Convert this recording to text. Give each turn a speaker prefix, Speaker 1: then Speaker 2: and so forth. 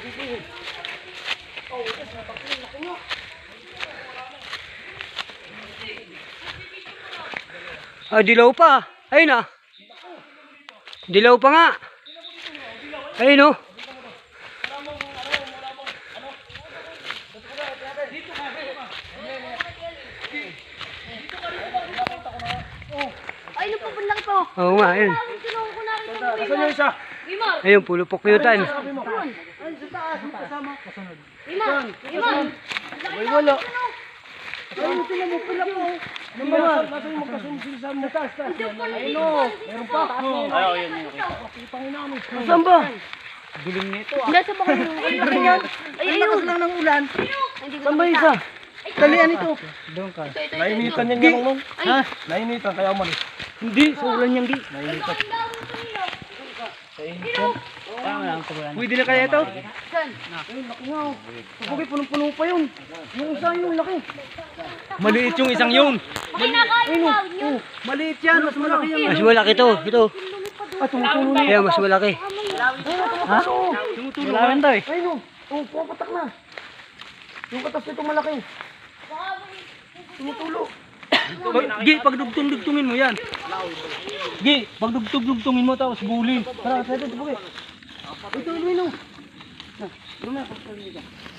Speaker 1: Ah, dilaw pa. Ayun ah. Dilaw pa nga. Ayun oh.
Speaker 2: Ay, napapunlang po.
Speaker 1: Oo nga, ayun.
Speaker 2: Kinuha ko na rin ito.
Speaker 3: Asan yung isa?
Speaker 2: Imar!
Speaker 1: Ayun, pulo pokyutan.
Speaker 3: Ayun, sa taas, yung kasama. Kasunod.
Speaker 2: Imar! Imar!
Speaker 3: Ay, wala. Ayun, tingnan mo, pula po. Nasa yung magkasunod sila sa mga taas. Ayun o, meron pa. Ayaw, yun. Saan ba? Dilim nito ah.
Speaker 2: Nasa baka yung yan. Ay, ayun.
Speaker 3: lang ng ulan.
Speaker 2: Hindi ko
Speaker 3: Saan ba
Speaker 2: nakita.
Speaker 3: isa? Talian ito.
Speaker 2: Ito.
Speaker 3: Nainitan yan yan mong. Ha? Nainitan, kaya umalis. Hindi, sa ulan yan di. Nainitan. Pwede na kaya ito?
Speaker 2: Saan?
Speaker 3: Ayun, laki nga o. Sabi, punong-puno pa yun. Yung isa yun, laki.
Speaker 1: Maliit yung isang yun.
Speaker 2: Kinakain daw yun.
Speaker 3: Maliit yan, mas malaki yan.
Speaker 1: Mas malaki to. Ito.
Speaker 3: Ah, tumutulo na.
Speaker 1: Ayan, mas malaki.
Speaker 3: Ha? Tumutulo na. Malawin daw eh. Ayun o. Oh, pumapatak na. Yung katas nito malaki. Tumutulo.
Speaker 1: Gi, pagdugtong-dugtungin mo yan. Gi, pagdugtong-dugtungin mo tapos bulin.
Speaker 3: Tara, ito, ito, ito. Ito, ito, ito.